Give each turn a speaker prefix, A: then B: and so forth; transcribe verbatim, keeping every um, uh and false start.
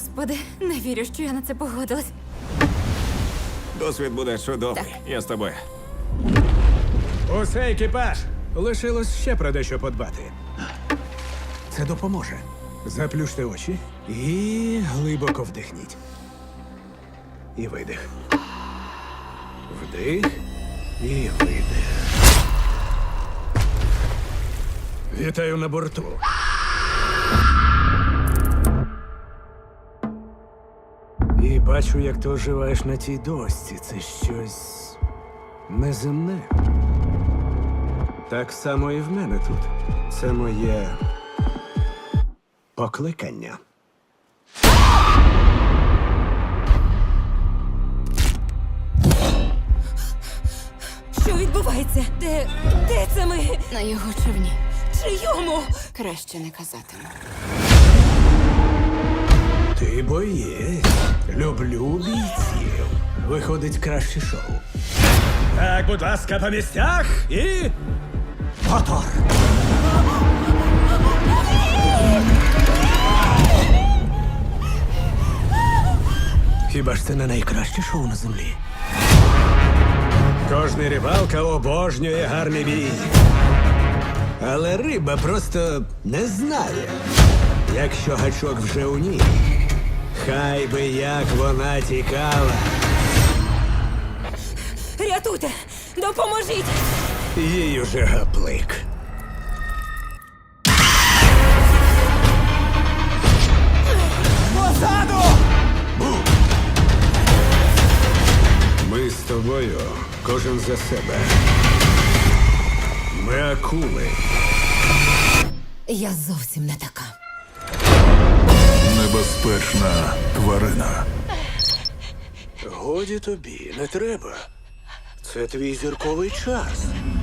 A: Господи, не вірю, що я на це погодилась.
B: Досвід буде чудовий.
A: Так.
B: Я з тобою.
C: Усе, екіпаж! Лишилось ще про дещо подбати. Це допоможе. Заплющте очі і глибоко вдихніть. І видих. Вдих і видих. Вітаю на борту. І бачу, як ти оживаєш на тій дошці. Це щось неземне. Так само і в мене тут. Це моє покликання.
A: Що відбувається? Де. де це ми?
D: На його човні.
A: Чийому?
D: Краще не казатиму.
C: Ти боєць. Люблю бійців. Виходить краще шоу. Так, будь ласка, по місцях і. Мотор! Хіба ж це не найкраще шоу на землі? Кожний рибалка обожнює гарний бій. Але риба просто не знає, якщо гачок вже у ній. Хай би як вона тікала.
A: Рятуйте! Допоможіть!
C: Їй уже гаплик. Позаду! Ми з тобою, кожен за себе. Ми акули.
A: Я зовсім не така.
E: Небезпечна тварина.
C: Годі тобі, не треба. Це твій зірковий час.